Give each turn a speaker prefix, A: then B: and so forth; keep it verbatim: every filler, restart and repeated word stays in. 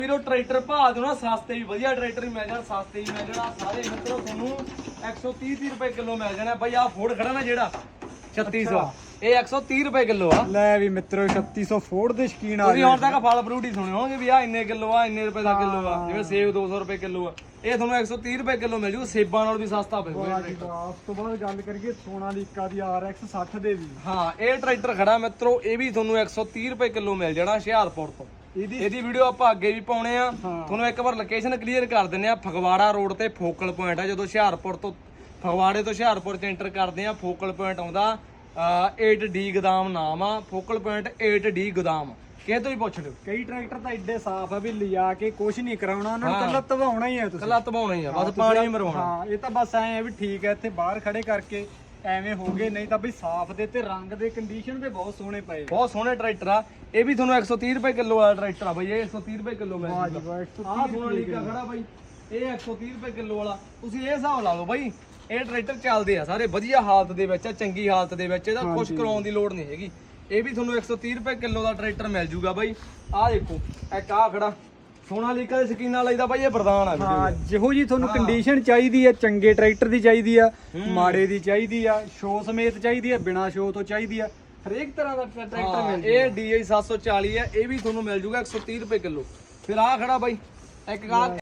A: ਵੀਰੋ ਟਰੈਕਟਰ ਭਾਅ ਦੋ ਨਾ ਸਸਤੇ ਵੀ ਵਧੀਆ ਟਰੈਕਟਰ ਵੀ ਮਿਲ ਜਾਣ, ਸਸਤੇ ਵੀ ਮਿਲ ਜਾਣ। ਸਾਰੇ ਮਿੱਤਰੋ ਤੁਹਾਨੂੰ ਇੱਕ ਸੌ ਤੀਹ ਰੁਪਏ ਕਿਲੋ ਮਿਲ ਜਾਣਾ ਬਾਈ। ਆਹ ਫੋਰਡ ਖੜਾ ਨਾ ਜਿਹੜਾ ਛੱਤੀ ਸੌ, ਇਹ ਇੱਕ ਸੌ ਤੀਹ ਰੁਪਏ ਕਿਲੋ ਆ।
B: ਲੈ ਵੀ ਮਿੱਤਰੋ ਛੱਤੀ ਸੌ ਫੋਰਡ ਦੇ ਸ਼ਕੀਨ ਆ
A: ਤੁਸੀਂ ਹੁਣ ਤੱਕ ਫਲ ਫਰੂਟ ਹੀ ਸੁਣੇ ਹੋਣਗੇ ਵੀ ਆ ਇੰਨੇ ਕਿਲੋ ਆ, ਇੰਨੇ ਰੁਪਏ ਦਾ ਕਿਲੋ ਆ। ਜਿਵੇਂ ਸੇਬ ਦੋ ਸੌ ਰੁਪਏ ਕਿਲੋ ਆ, ਇਹ ਤੁਹਾਨੂੰ ਇੱਕ ਸੌ ਤੀਹ ਰੁਪਏ ਕਿਲੋ ਮਿਲ ਜੂ। ਸੇਬਾਂ ਨਾਲ ਵੀ ਸਸਤਾ ਪਊਗਾ।
B: ਉਸ ਤੋਂ ਬਾਅਦ ਗੱਲ ਕਰੀਏ ਸੋਨਾਲੀਕਾ ਦੀ ਆਰ ਐਕਸ ਸੱਠ ਦੇ ਵੀ।
A: ਹਾਂ ਇਹ ਟਰੈਕਟਰ ਖੜਾ ਮਿੱਤਰੋ, ਇਹ ਵੀ ਤੁਹਾਨੂੰ ਇੱਕ ਸੌ ਤੀਹ ਰੁਪਏ ਕਿਲੋ ਮਿਲ ਜਾਣਾ ਹੁਸ਼ਿਆਰਪੁਰ ਤੋਂ।
B: ਇਹਦੀ
A: ਇਹਦੀ ਵੀਡੀਓ ਆਪਾਂ ਅੱਗੇ ਵੀ ਪਾਉਣੇ ਆ। ਤੁਹਾਨੂੰ ਇੱਕ ਵਾਰ ਲੋਕੇਸ਼ਨ ਕਲੀਅਰ ਕਰ ਦਿੰਨੇ ਆ। ਫਗਵਾੜਾ ਰੋਡ ਤੇ ਫੋਕਲ ਪੁਆਇੰਟ ਆ। ਜਦੋਂ ਹੁਸ਼ਿਆਰਪੁਰ ਤੋਂ ਫਗਵਾੜੇ ਤੋਂ ਹੁਸ਼ਿਆਰਪੁਰ ਚ ਐਂਟਰ ਕਰਦੇ ਆ, ਫੋਕਲ ਪੁਆਇੰਟ ਆਉਂਦਾ ਏਟ ਡੀ ਗੋਦਾਮ ਨਾਮ ਆ। ਫੋਕਲ ਪੁਆਇੰਟ ਏਟ ਡੀ ਗੋਦਾਮ, ਕਿਸੇ ਤੋਂ ਵੀ ਪੁੱਛ ਲਿਓ।
B: ਕਈ ਟਰੈਕਟਰ ਤਾਂ ਐਡੇ ਸਾਫ਼ ਆ ਵੀ ਲਿਆ ਕੇ ਕੁਝ ਨਹੀਂ ਕਰਾਉਣਾ, ਉਹਨਾਂ ਨੂੰ ਕੱਲਾ ਧਵਾਉਣਾ ਹੀ ਆ। ਤੁਸੀਂ
A: ਕੱਲਾ ਧਵਾਉਣਾ ਹੀ ਆ, ਬਸ ਪਾਣੀ ਮਰਵਾਉਣਾ।
B: ਹਾਂ ਇਹ ਤਾਂ ਬਸ ਐ ਆ ਵੀ ਠੀਕ ਹੈ ਇੱਥੇ ਬਾਹਰ ਖੜੇ ਕਰਕੇ ਐਵੇਂ ਹੋ ਗਏ, ਨਹੀਂ ਤਾਂ ਬਈ ਸਾਫ਼ ਦੇ ਤੇ ਰੰਗ ਦੇ ਕੰਡੀਸ਼ਨ ਦੇ ਬਹੁਤ ਸੋਹਣੇ ਪਏ।
A: ਬਹੁਤ ਸੋਹਣੇ ਟਰੈਕਟਰ ਆ। ਇਹ ਵੀ ਤੁਹਾਨੂੰ ਇੱਕ ਸੌ ਤੀਹ ਰੁਪਏ ਕਿਲੋ ਵਾਲਾ ਟਰੈਕਟਰ ਆ ਬਾਈ। ਇਹ ਇੱਕ ਸੌ ਤੀਹ ਰੁਪਏ ਕਿਲੋ ਮਿਲ ਜੂਗਾ। ਆਹ ਸੋਨਾਲੀਕਾ ਖੜਾ ਬਾਈ, ਇਹ ਇੱਕ ਸੌ ਤੀਹ ਰੁਪਏ ਕਿਲੋ ਵਾਲਾ। ਤੁਸੀਂ ਇਹ ਹਿਸਾਬ ਲਾ ਲਓ ਬਾਈ, ਇਹ ਟਰੈਕਟਰ ਚੱਲਦੇ ਆ ਸਾਰੇ ਵਧੀਆ ਹਾਲਤ ਦੇ ਵਿੱਚ ਆ, ਚੰਗੀ ਹਾਲਤ ਦੇ ਵਿੱਚ। ਇਹਦਾ ਕੁਛ ਕਰਾਉਣ ਦੀ ਲੋੜ ਨਹੀਂ ਹੈਗੀ। ਇਹ ਵੀ ਤੁਹਾਨੂੰ ਇੱਕ ਸੌ ਤੀਹ ਰੁਪਏ ਕਿਲੋ ਦਾ ਟਰੈਕਟਰ ਮਿਲ ਜੂਗਾ ਬਾਈ। ਆਹ ਦੇਖੋ ਇੱਕ ਆਹ ਖੜਾ ਸੋਨਾਲੀਕਾ ਦੇ ਸ਼ਕੀਨਾਂ ਲਈਦਾ ਬਾਈ, ਇਹ ਬਰਦਾਨ ਆ।
B: ਹਾਂ ਜਿਹੋ ਜੀ ਤੁਹਾਨੂੰ ਕੰਡੀਸ਼ਨ ਚਾਹੀਦੀ ਹੈ, ਚੰਗੇ ਟਰੈਕਟਰ ਦੀ ਚਾਹੀਦੀ ਆ, ਮਾੜੇ ਦੀ ਚਾਹੀਦੀ ਆ, ਸ਼ੋ ਸਮੇਤ ਚਾਹੀਦੀ ਆ, ਬਿਨਾ ਸ਼ੋ ਤੋਂ ਚਾਹੀਦੀ ਆ, ਹਰੇਕ ਤਰ੍ਹਾਂ ਦਾ ਟਰੈਕਟਰ ਮਿਲ
A: ਇਹ ਡੀ ਆਈ ਸੱਤ ਸੌ ਚਾਲੀ ਹੈ। ਇਹ ਵੀ ਤੁਹਾਨੂੰ ਮਿਲ ਜੂਗਾ ਇੱਕ ਸੌ ਤੀਹ ਰੁਪਏ ਕਿਲੋ। ਫਿਰ ਆਹ ਖੜਾ ਬਾਈ ਇੱਕ ਆ